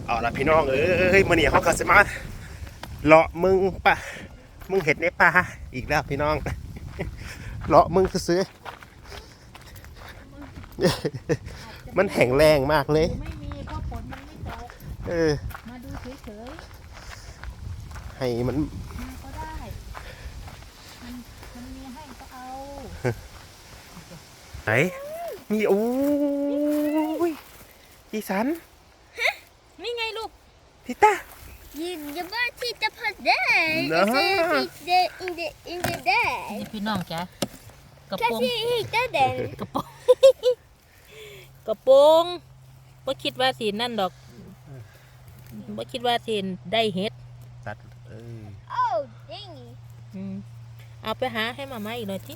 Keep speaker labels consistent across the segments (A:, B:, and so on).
A: เอาละพี่น้องเอ้ยมื่อนี้เขาก็สิมาเลาะมึงเห็ดในป่าอีกแล้วพี่น้องเลาะมึงซื้อมันแห้งแรงมากเลย
B: ไม่มีเพราะฝนมันไม่ตกมาดูเฉย
A: ๆให้มัน
B: มาก็ได้มันมีให้ก็เอา
A: ไหนมีโอ้ยอีสัน
B: นี่ไงลูก
A: ทิต้า
C: You want to eat the pot there?
A: No.
C: In the day.
B: นี่พี่น้องจ้ะกระโปรง
C: Cause you eat that then.
B: กระโปรงกระโปรงบ่คิดว่าสินั่นดอกบ่คิดว่าสิได้เฮ็ด
A: ตัด
C: Oh, dingy.
B: เอาไปหาให้มาม่าอีกหน่อยสิ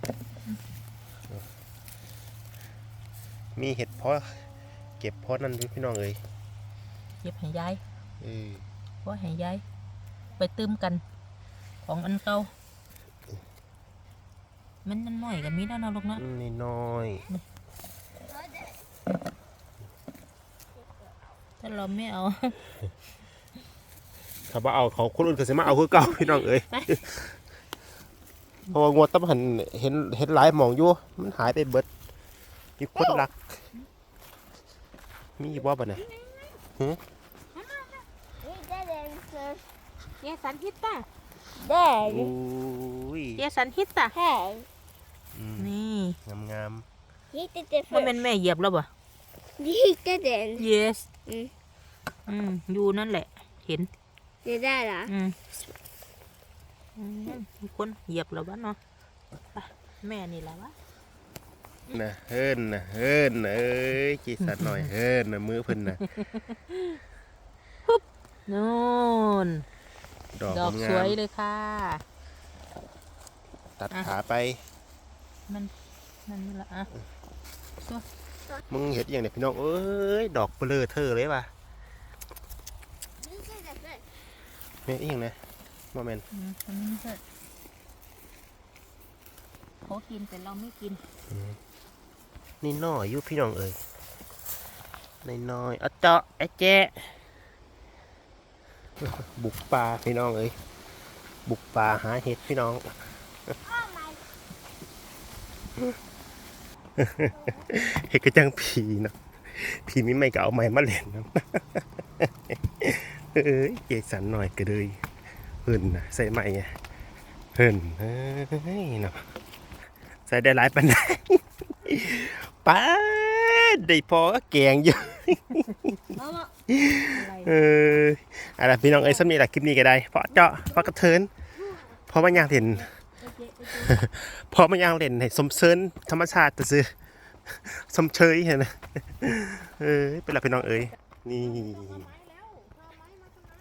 A: มีเห็ดเพาะเก็บเพาะนั่นพี่น้องเอ้ย
B: เก็บให้ยายเพราะให้ยายไปตืมกันของอันเก่ามันน้อยกับมีแล้วนะลูกนะ
A: นี่น้อย
B: ถ้าเราไม่เอา
A: ถ้าว่าเอาเขาคนอื่นก็จะมาเอาคือเก่าพี่น้องเอ้ยเพราะว่างวดตั้งหันเห็นหลายหมองอยู่มันหายไปเบิดมีคนรักมีบ่บ่เนี่ย
B: เยสันฮิตตา
C: Dad.
B: เยสันฮิตตา
C: Hey.
B: นี่
A: งาม
C: He did the
B: ว่า
C: first.
B: เป็นแม่เหยียบแล้วบ่
C: He didn't.
B: yes อยู่นั่นแหละเห็น
C: Did that?
B: มีคนเหยียบแล้ววะเนาะแม่นี่แหละวะ
A: นะเฮินเอ้ยจีสันหน่อยเฮินมือเพิ่นนะ
B: นู่นดอกสวยเลยค่ะ
A: ตัดขาไป
B: มันนี่ละอ่ะ
A: มึงเห็นอย่างเนี่ยพี่น้องเอ้ยดอกเบลอเธอเลยป่ะแม่อีกอย่างนะโมเมนต์
B: เขากินแต่เราไม่กิน
A: นี่น้อยอยู่พี่น้องเอ้ยน้อยเอาเจาะไอ้แจ๊บุกป่าพี่น้องเอ้ยบุกป่าหาเห็ดพี่น้องเห็ดกระจังผีนะผีมิไม่ก็เอาไม้มาเล่นนะเอ้ยเกสันหน่อยก็เลยเฮินนะใส่ไม้ไงเฮินเฮ้ยเนาะใส่ได้หลายปันได้ป้าได้พอแกงเยอะอะไรพี่น้องเอ้ยสำนีแหละคลิปนี้ก็ได้เพราะเจาะเพราะกระเทินเพราะมันยางเห็นเพราะมันยางเล่นให้สมเสริญธรรมชาติจะซื้อสมเชยเห็นไหมเป็นหลักพี่น้องเอ้ยนี่